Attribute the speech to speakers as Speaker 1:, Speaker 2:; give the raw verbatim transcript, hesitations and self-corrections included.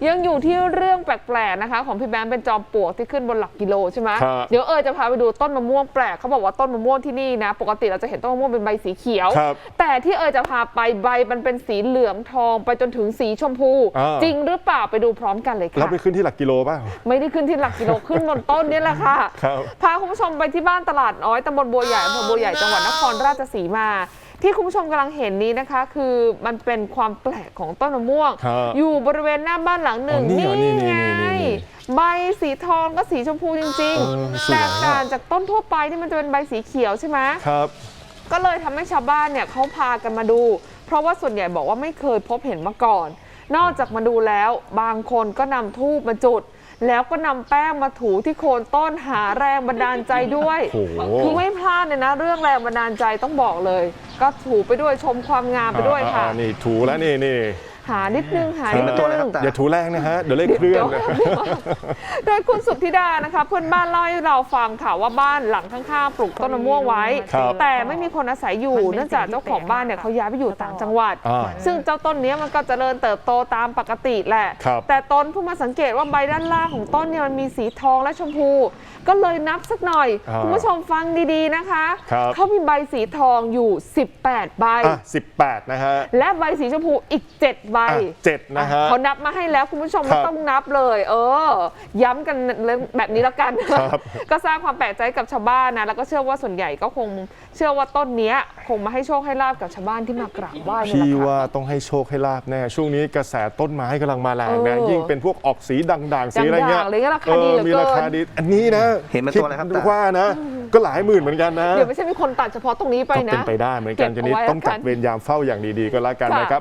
Speaker 1: ยังอยู่ที่เรื่องแปลกๆนะคะของพี่แบงค์เป็นจอมปลวกที่ขึ้นบนหลักกิโลใช่ไหมเดี๋ยวเออจะพาไปดูต้นมะม่วงแปลกเขาบอกว่าต้นมะม่วงที่นี่นะปกติเราจะเห็นต้นมะม่วงเป็นใบสีเขียวแต่ที่เออจะพาไปใบมันเป็นสีเหลืองทองไปจนถึงสีชมพูจริงหรือเปล่าไปดูพร้อมกันเลยค่ะ
Speaker 2: แล้วไปขึ้นที่หลักกิโลป่ะ
Speaker 1: ไม่ได้ขึ้นที่หลักกิโลขึ้นบนต้นนี่แหละค่ะพาคุณผู้ชมไปที่บ้านตลาดน้อยตำบลบัวใหญ่อำเภอบัวใหญ่จังหวัดนครราชสีมาที่คุณผู้ชมกำลังเห็นนี้นะคะคือมันเป็นความแปลกของต้นมะม่วงอยู่บริเวณหน้าบ้านหลังหนึ่งนี่ไงใบสีทองก็สีชมพูจริงๆแตกต่างจากต้นทั่วไปที่มันจะเป็นใบสีเขียวใช่ไหม
Speaker 2: ครับ
Speaker 1: ก็เลยทำให้ชาวบ้านเนี่ยเขาพากันมาดูเพราะว่าส่วนใหญ่บอกว่าไม่เคยพบเห็นมาก่อนนอกจากมาดูแล้วบางคนก็นำธูปมาจุดแล้วก็นำแป้งมาถูที่โคนต้นหาแรงบันดาลใจด้วยคือไม่พลาดเลยนะเรื่องแรงบันดาลใจต้องบอกเลยก็ถูไปด้วยชมความงามไปด้วยค่ะ
Speaker 2: นี่ถูแล้วนี่นี่
Speaker 1: หานิดนึงหานิดนึง
Speaker 2: อย่าถูแรงนะฮะเดี๋ยวเลขเคลื่อน
Speaker 1: โดยคุณสุทธิดานะคะเพื่อนบ้านเล่าให้เราฟังค่ะว่าบ้านหลังข้างๆปลูกต้นมะม่วงไว้แต่ไม่มีคนอาศัยอยู่เนื่องจากเจ้าของบ้านเนี่ยเขาย้ายไปอยู่ต่างจังหวัดซึ่งเจ้าต้นนี้มันก็เจริญเติบโตตามปกติแหละแต่ต้นเพิ่งมาสังเกตว่าใบด้านล่างของต้นเนี่ยมันมีสีทองและชมพูก็เลยนับสักหน่อยคุณผู้ชมฟังดีๆนะคะเขามีใบสีทองอยู่สิบแปดใบ
Speaker 2: สิบแปดนะฮะ
Speaker 1: และใบสีชมพูอีกเจ็ดใบ
Speaker 2: เจ็ดนะฮะ
Speaker 1: เขานับมาให้แล้วคุณผู้ชมไม่ต้องนับเลยเออย้ำกันแบบนี้แล้วกันก็สร้างความแปลกใจกับชาวบ้านนะแล้วก็เชื่อว่าส่วนใหญ่ก็คงเชื่อว่าต้นนี้คงมาให้โชคให้ลาบกับชาวบ้านที่มากราบไหว้
Speaker 2: พี่ว่าต้องให้โชคให้ลาบแน่ช่วงนี้กระแสต้นไม้กำลังมาแรงนะยิ่งเป็นพวกออกสีด่างๆสีอะไรเงี้ย
Speaker 1: เออ
Speaker 2: มีราคาดีอันนี้นะ
Speaker 3: เห็นเป็นตัวอะไรครับ
Speaker 2: ว่านะก็หลายหมื่นเหมือนกันนะ
Speaker 1: เดี๋ยวไม่ใช่มีคนตัดเฉพาะตรงนี้ไปนะ
Speaker 2: เป็นไปได้เหมือนกันทีนี้ต้องจัดเวรยามเฝ้าอย่างดีๆก็แล้วกันนะครับ